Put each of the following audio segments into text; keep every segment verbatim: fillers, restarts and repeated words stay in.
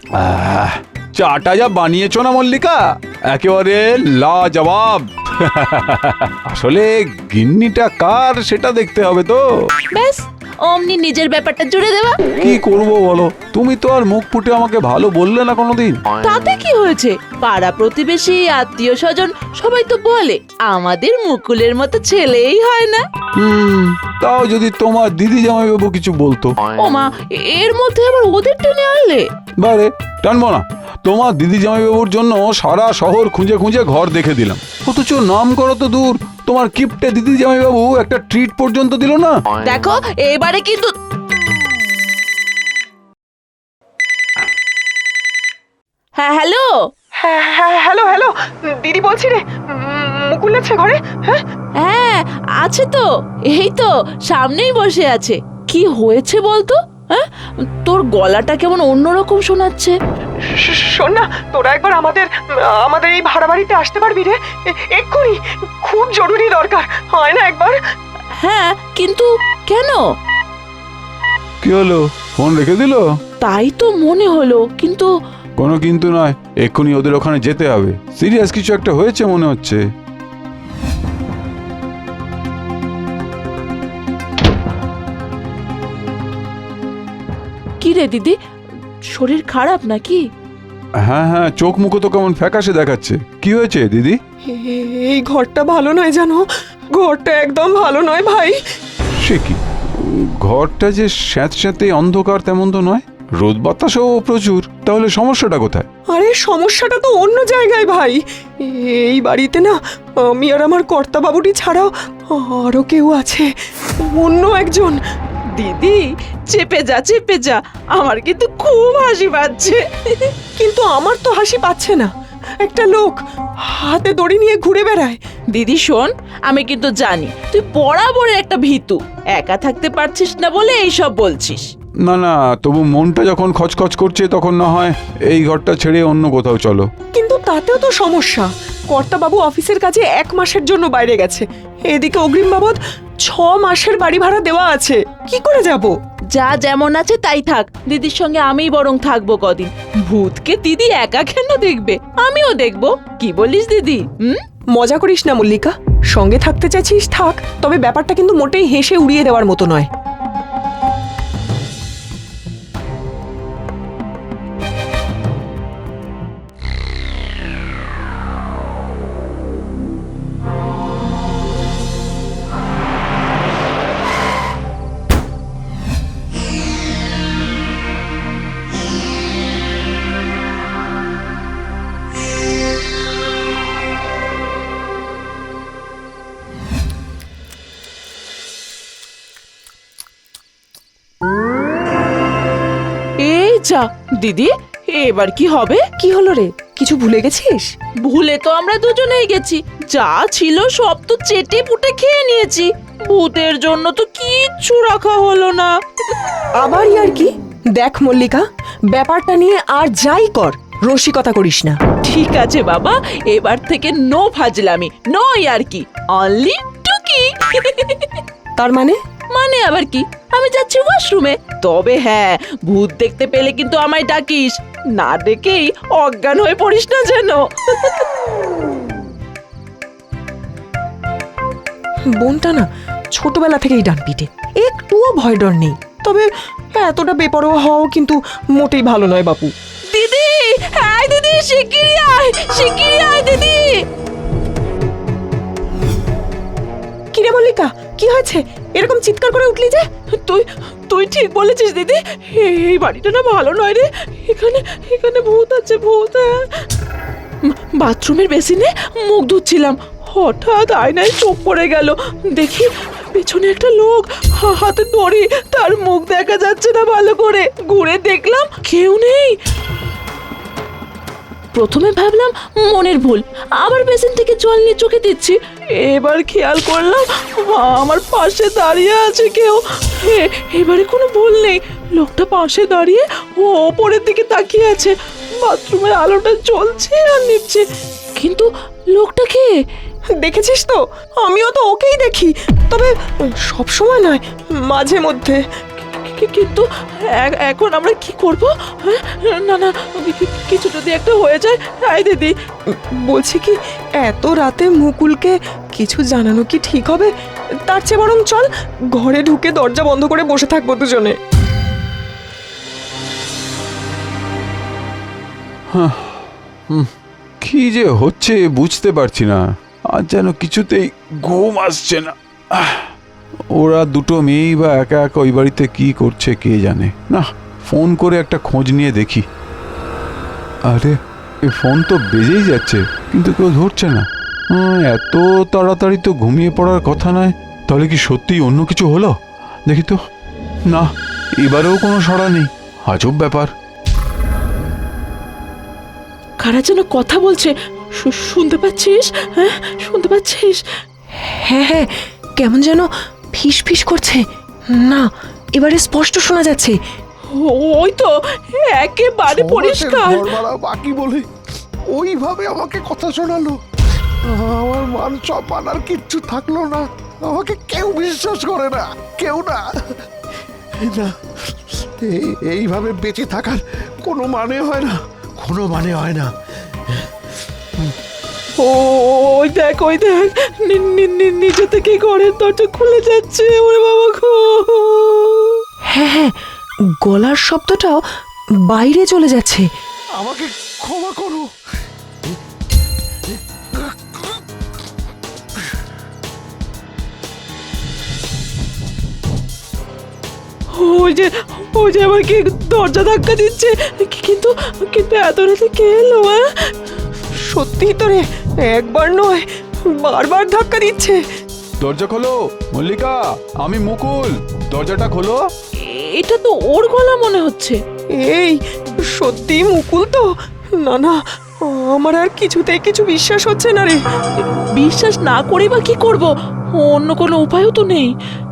আহ, চাটা যা বানিয়েছো না মল্লিকা, একেবারে লাজবাব। আসলে গিন্নিটা কার সেটা দেখতে হবে তো। ব্যাস অমনি নিজের ব্যাপারটা জুড়ে দেওয়া। কি করব বলো, তুমি তো আর মুখ ফুটে আমাকে ভালো বললে না কোনোদিন। তাতে কি হয়েছে, পাড়া প্রতিবেশী আত্মীয় স্বজন সবাই তো বলে আমাদের মুকুলের মতো ছেলেই হয় না। হুম, তাও যদি তোমার দিদি জামাইবাবু কিছু বলতো। ওমা, এর মধ্যে আবার ওদের টেনে আনলে। বারে টানবো না, তোমার দিদি জামাইবাবুর জন্য সারা শহর খুঁজে খুঁজে ঘর দেখে দিলাম, অথচ নাম করো তো দূর, তোমার কিপটে দিদি জামাইবাবু একটা ট্রিট পর্যন্ত দিল না। দেখো এবারে কিন্তু। হ্যাঁ হ্যালো। হ্যাঁ হ্যাঁ হ্যালো হ্যালো দিদি বলছি রে, মুকুল আছে ঘরে? হ্যাঁ হ্যাঁ আছে তো, এই তো সামনেই বসে আছে। কি হয়েছে বলতো? হ্যাঁ, তোর গলাটা কেমন অন্যরকম শোনাচ্ছে। শোন না, তোরা একবার আমাদের আমাদের এই ভাড়া বাড়িতে আসতে পারবি রে? এক্ষুনি, খুব জরুরি দরকার, হয় না একবার? হ্যাঁ কিন্তু কেন? কি হলো, ফোন রেখে দিল? তাই তো মনে হলো, কিন্তু কোনো কিন্তু নয়, এক্ষুনি ওদের ওখানে যেতে হবে, সিরিয়াস কিছু একটা হয়েছে মনে হচ্ছে। কি রে দিদি, শরীর খারাপ নাকি? হ্যাঁ হ্যাঁ, চোখ মুখো তো কেমন ফ্যাকাশে দেখাচ্ছে। কি হয়েছে দিদি? এই ঘরটা ভালো নয় জানো, ঘরটা একদম ভালো নয় ভাই। সে কি, ঘরটা যে স্যাঁতস্যাঁতে অন্ধকার তেমন তো নয়, রোদ বাতাসও প্রচুর, তাহলে সমস্যাটা কোথায়? আরে সমস্যাটা তো অন্য জায়গায় ভাই। এই বাড়িতে না আমি আর আমার কর্তাবাবুটি ছাড়াও আরো কেউ আছে, অন্য একজন। দিদি চেপে যা চেপে যা, আমার কিন্তু খুব হাসি পাচ্ছে। কিন্তু আমার তো হাসি পাচ্ছে না, একটা লোক হাতে দড়ি নিয়ে ঘুরে বেড়ায়। দিদি শোন, আমি কিন্তু জানি তুই বরাবর একটা ভীতু, একা থাকতে পারছিস না বলে এইসব বলছিস। না না, তবু মনটা যখন খচখচ করছে তখন না হয় এই ঘরটা ছেড়ে অন্য কোথাও চলো। কিন্তু তাতেও তো সমস্যা, কর্তাবাবু অফিসের কাজে এক মাসের জন্য বাইরে গেছে, এদিকে অগ্রিম বাবদ ছ মাসের বাড়ি ভাড়া দেওয়া আছে, কি করে যাব? যা যেমন আছে তাই থাক, দিদির সঙ্গে আমিই বরং থাকবো কদিন। ভূতকে দিদি একা কেন দেখবে, আমিও দেখবো। কি বলিস দিদি? হুম, মজা করিস না মল্লিকা, সঙ্গে থাকতে চাইছিস থাক, তবে ব্যাপারটা কিন্তু মোটেই হেসে উড়িয়ে দেওয়ার মতো নয়। এই যা দিদি, এবার কি হবে? কি হলো রে, কিছু ভুলে গেছিস? ভুলে তো আমরা দুজনেই গেছি, যা ছিল সব তো চেটে পুটে খেয়ে নিয়েছি, ভূতের জন্য তো কিচ্ছু রাখা হলো না। আবার আর কি? দেখ মল্লিকা, ব্যাপারটা নিয়ে আর যাই কর, রসিকতা করিস না। ঠিক আছে বাবা, এবার থেকে নো ফাজলামি, নো আর কি, অনলি টুকি। তার মানে? মানে আবার কি, আমি যাচ্ছি ওয়াশরুমে। তবে হ্যাঁ, ভূত দেখতে পেলে কিন্তু আমায় ডাকিস, না ডেকেই অজ্ঞান হয়ে পড়িস না যেন। বোনটা না ছোটবেলা থেকেই ডান পিটে, একটুও ভয় ডর নেই, তবে এতটা বেপরোয়া হওয়াও কিন্তু মোটেই ভালো নয় বাপু। দিদি, হ্যাঁ দিদি, শিগগিরই আয়, শিগগিরই আয় দিদি। কিরে মল্লিকা, কি হয়েছে, এরকম চিৎকার করে উঠলি যে? তুই তুই ঠিক বলেছিস দিদি, এই বাড়িটা না ভালো নয় রে, এখানে এখানে ভূত আছে, ভূত। বাথরুমের বেসিনে মুখ ধুচ্ছিলাম, হঠাৎ আয়নায় চোখ পড়ে গেল, দেখি পেছনে একটা লোক, হাতে দড়ি, তার মুখ দেখা যাচ্ছে না ভালো করে, ঘুরে দেখলাম কেউ নেই। প্রথমে ভাবলাম মনের ভুল, আবার বেসিন থেকে জল নিয়ে চোখে দিচ্ছি, এবার খেয়াল করলাম আমার পাশে দাঁড়িয়ে আছে কেউ। এবারে কোনো ভুল নেই, লোকটা পাশে দাঁড়িয়ে ও ওপরের দিকে তাকিয়ে আছে, বাথরুমের আলোটা জ্বলছে আর নিভছে, কিন্তু লোকটা কে? দেখেছিস তো, আমিও তো ওকেই দেখি, তবে সব সময় নয়, মাঝে মধ্যে। কি- কিন্তু এ- এখন আমরা কি করব? হ্যাঁ? না না কি- কি- কিছু যদি একটা হয়ে যায়। আই দিদি, বলছি কি, এত রাতে মুকুলকে কিছু জানানো কি ঠিক হবে? তার চেয়ে বরং চল ঘরে ঢুকে দরজা বন্ধ করে বসে থাকবো দুজনে। কি যে হচ্ছে বুঝতে পারছি না, আর যেন কিছুতেই ঘুম আসছে না। আহ, ওরা দুটো মেয়েই বা একা একা ওই বাড়িতে কি করছে কে জানে। না, ফোন করে একটা খোঁজ নিয়ে দেখি। আরে এই ফোন তো বেজেই যাচ্ছে কিন্তু কেউ ধরছে না। হুম, এত তাড়াতাড়ি তো ঘুমিয়ে পড়ার কথা নয়। তাহলে কি সত্যিই অন্য কিছু হলো? দেখি তো। না, এবারেও কোনো সাড়া নেই। আজব ব্যাপার। কারা যেন কথা বলছে, শু- শুনতে পাচ্ছিস? হ্যাঁ, শুনতে পাচ্ছিস? হ্যাঁ হ্যাঁ, কেমন যেন ফিস ফিস করছে। না, এবারে স্পষ্ট শোনা যাচ্ছে। ওই তো, একেবারে পরিষ্কার। ঘর ভাড়া বাকি বলে ওইভাবে আমাকে কথা শোনালো। আমার মান সম্মান আর কিচ্ছু থাকলো না। আমাকে কেউ বিশ্বাস করে না, কেউ না। না, এই- এইভাবে বেঁচে থাকার কোনো মানে হয় না, কোনো মানে হয় না। ও, ওই দেখ, ওই দেখ, নি- নি- নি- নিজে থেকে ঘরের দরজা খুলে যাচ্ছে। ওরে বাবা গো! হ্যাঁ হ্যাঁ, গলার শব্দটাও বাইরে চলে যাচ্ছে। আমাকে ক্ষমা করো। ওই যে, ওই যে আবার কি দরজা ধাক্কা দিচ্ছে। কি- কিন্তু কিন্তু এত রাতে কে এলো? হ্যাঁ? সত্যি তো রে, একবার নয় বারবার ধাক্কা দিচ্ছে। দরজা খোলো মল্লিকা, আমি মুকুল, দরজাটা খোলো। এটা তো ওর গলা মনে হচ্ছে। এই সত্যি মুকুল তো? না না, আমার আর কিছুতেই কিছু বিশ্বাস হচ্ছে না রে। বিশ্বাস না করে বা কি করব? অন্য কোনো উপায়ও তো নেই।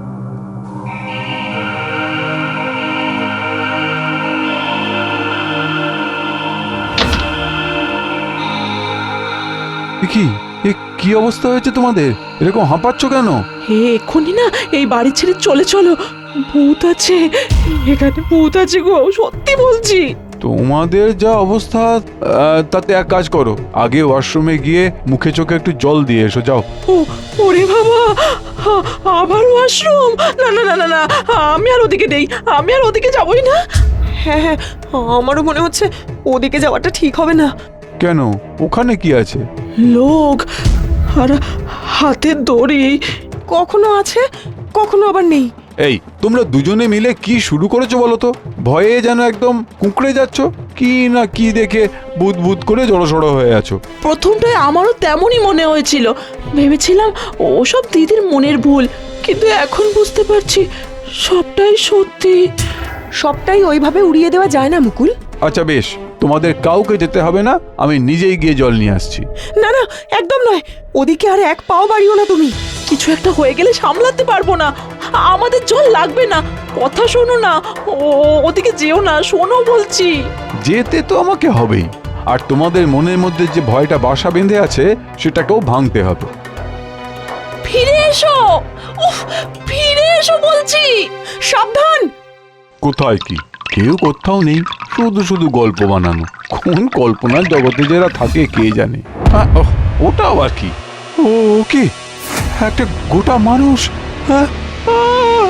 এ কি, এ কি অবস্থা হয়েছে তোমাদের? এরকম হাঁপাচ্ছ কেন? হে, এক্ষুনি না এই বাড়ি ছেড়ে চলে চলো। ভূত আছে এখানে, ভূত আছে গো, সত্যি বলছি। তোমাদের যা অবস্থা, আহ, তাতে এক কাজ করো, আগে ওয়াশরুমে গিয়ে মুখে চোখে একটু জল দিয়ে এসো, যাও। ও, ওরে বাবা, আ- আবার ওয়াশরুম? না না না না না, আমি আর ওদিকে নেই, আমি আর ওদিকে যাবই না। হ্যাঁ হ্যাঁ, আমারও মনে হচ্ছে ওদিকে যাওয়াটা ঠিক হবে না। কেন, ওখানে কি আছে? লোক আর হাতের দড়ি। কখনো আছে, কখনো আবার নেই। এই তোমরা দুজনে মিলে কি শুরু করেছো বলো তো? ভয়ে যেন একদম কুঁকড়ে যাচ্ছ, কি না কি দেখে বুদ বুদ করে জড়সড় হয়ে আছো। প্রথমটায় আমারও তেমনই মনে হয়েছিল, ভেবেছিলাম ওসব দিদির মনের ভুল, কিন্তু এখন বুঝতে পারছি সবটাই সত্যি। সবটাই ওইভাবে উড়িয়ে দেওয়া যায় না মুকুল। আচ্ছা বেশ, তোমাদের কাউকে যেতে হবে না, আমি নিজেই গিয়ে জল নিয়ে আসছি। না না, একদম নয়, ওদিকে আর এক পাও বাড়িও না তুমি। কিছু একটা হয়ে গেলে সামলাতে পারবো না, আমাদের জল লাগবে না। কথা শোনো না, ও ওদিকে যেও না, শোনো বলছি। যেতে তো আমাকে হবেই, আর তোমাদের মনের মধ্যে যে ভয়টা বাসা বেঁধে আছে সেটাকেও ভাঙতে হবে। ফিরে এসো, উফ, ফিরে এসো বলছি। সাবধান। কোথায় কি, কেউ কোথাও নেই, শুধু শুধু গল্প বানানো। কোন কল্পনার জগতে যারা থাকে কে জানে। আহ, ওহ, ওটা আবার কি? ও কি একটা গোটা মানুষ? হ্যাঁ, আহ!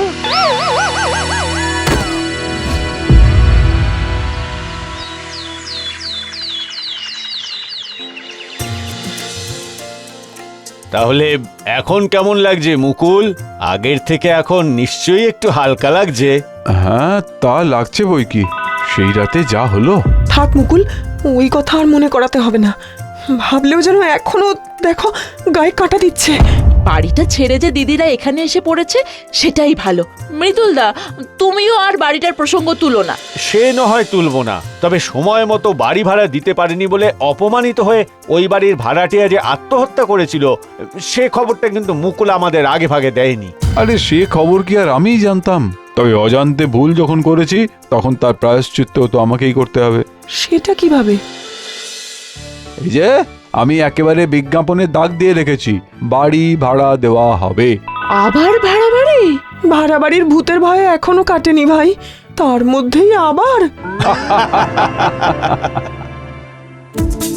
তাহলে এখন কেমন লাগছে মুকুল? আগের থেকে এখন নিশ্চয়ই একটু হালকা লাগছে। হ্যাঁ, তা লাগছে বই কি। সেই রাতে যা হলো। থাক মুকুল, ওই কথা আর মনে করাতে হবে না। ভাবলেও যেন এখনো দেখো গায়ে কাঁটা দিচ্ছে। বাড়িটা ছেড়ে যে দিদিরা এখানে এসে পড়েছে সেটাই ভালো। মৃদুলদা, তুমিও আর বাড়িটার প্রসঙ্গ তুলো না। সে না হয় তুলব না, তবে সময় মতো বাড়ি ভাড়া দিতে পারেনি বলে অপমানিত হয়ে ওই বাড়ির ভাড়াটিয়া যে আত্মহত্যা করেছিল সে খবরটা কিন্তু মুকুল আমাদের আগে ভাগে দেয়নি। আরে সে খবর কি আর আমিই জানতাম? তবে অজান্তে ভুল যখন করেছি তখন তার প্রায়শ্চিত্ত তো আমাকেই করতে হবে। সেটা কিভাবে? এই যে আমি একেবারে বিজ্ঞাপনে দাগ দিয়ে রেখেছি, বাড়ি ভাড়া দেওয়া হবে। আবার ভাড়া বাড়ি? ভাড়া বাড়ির ভূতের ভয়ে এখনো কাটেনি ভাই, তার মধ্যেই আবার